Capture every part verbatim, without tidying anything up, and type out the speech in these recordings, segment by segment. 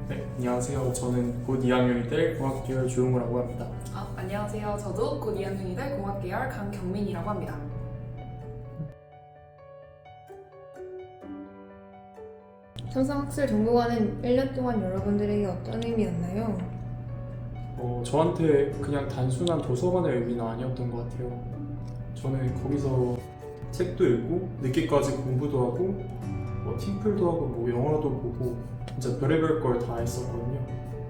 네, 안녕하세요. 저는 곧 이 학년이 될 공학계열 조용우라고 합니다. 아, 안녕하세요. 저도 곧 이 학년이 될 공학계열 강경민이라고 합니다. 삼성학술 정보관은 일 년 동안 여러분들에게 어떤 의미였나요? 어, 저한테 그냥 단순한 도서관의 의미는 아니었던 것 같아요. 저는 거기서 책도 읽고 늦게까지 공부도 하고 뭐 팀플도 하고 뭐 영화도 보고 진짜 별의별 걸 다 했었거든요.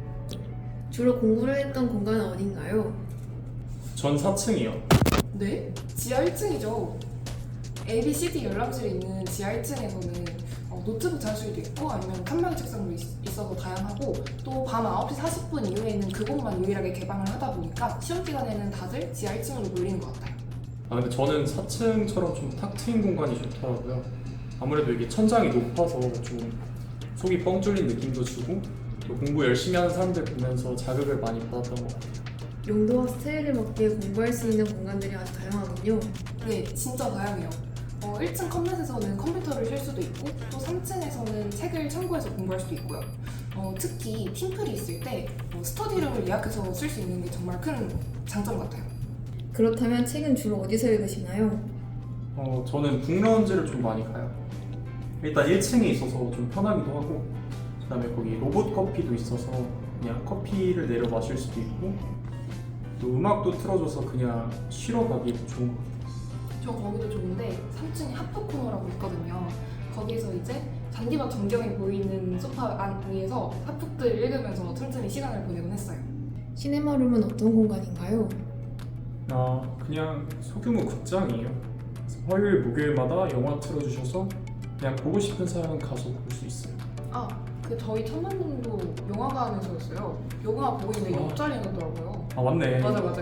주로 공부를 했던 공간은 어딘가요? 전 사 층이요. 네? 지하 일 층이죠. A, B, C, D 열람실이 있는 지하 일 층에서는 어, 노트북 자료실도 있고 아니면 칸방 책상도 있, 있어서 다양하고 또 밤 아홉 시 사십 분 이후에는 그곳만 유일하게 개방을 하다 보니까 시험 기간에는 다들 지하 일 층으로 몰리는 것 같아요. 아 근데 저는 사 층처럼 좀 탁 트인 공간이 좋더라고요. 아무래도 이게 천장이 높아서 좀 속이 뻥 뚫린 느낌도 주고 또 공부 열심히 하는 사람들 보면서 자극을 많이 받았던 것 같아요. 용도와 스타일에 맞게 공부할 수 있는 공간들이 아주 다양하군요. 네, 진짜 다양해요. 어, 일 층 컴넷에서는 컴퓨터를 쉴 수도 있고 또 삼 층에서는 책을 참고해서 공부할 수도 있고요. 어, 특히 팀플이 있을 때 어, 스터디룸을 예약해서 쓸 수 있는 게 정말 큰 장점 같아요. 그렇다면 책은 주로 어디서 읽으시나요? 어, 저는 북라운지를 좀 많이 가요. 일단 일 층에 있어서 좀 편하기도 하고 그 다음에 거기 로봇 커피도 있어서 그냥 커피를 내려 마실 수도 있고 또 음악도 틀어줘서 그냥 쉬러 가기 좋은 것 같아요. 저 거기도 좋은데 삼 층에 하프 코너라고 있거든요. 거기에서 이제 잔디밭 전경이 보이는 소파 안 위에서 하프들 읽으면서 틈틈이 시간을 보내곤 했어요. 시네마룸은 어떤 공간인가요? 아, 그냥 소규모 극장이에요. 그래서 화요일, 목요일마다 영화 틀어주셔서 그냥 보고 싶은 사람은 가서 볼 수 있어요. 아, 그 저희 천만동도 영화관에서였어요. 영화 보고 있는데 아. 옆자리였더라고요. 아, 맞네. 맞아 맞아요.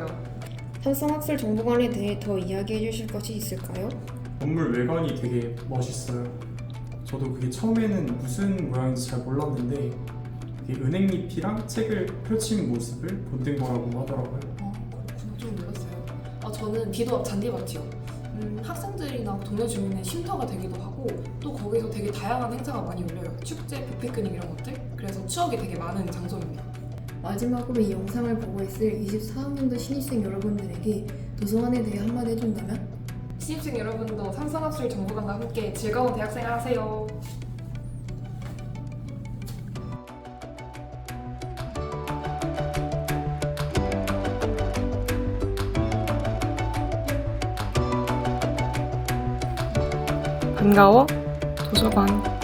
삼성학술 정보관에 대해 더 이야기해 주실 것이 있을까요? 건물 외관이 되게 멋있어요. 저도 그게 처음에는 무슨 모양인지 잘 몰랐는데 그게 은행잎이랑 책을 펼친 모습을 본뜬 거라고 하더라고요. 어, 그렇구나. 좀 몰랐어요. 아, 저는 비도 앞 잔디밭이요. 음, 학생들이나 동네 주민의 쉼터가 되기도 하고 또 거기서 되게 다양한 행사가 많이 열려요. 축제, 뷔페크닉 이런 것들. 그래서 추억이 되게 많은 장소입니다. 마지막으로 이 영상을 보고 있을 이십사 학년도 신입생 여러분들에게 도서관에 대해 한마디 해준다면? 신입생 여러분도 삼성학술 정보관과 함께 즐거운 대학생활 하세요. 반가워 도서관.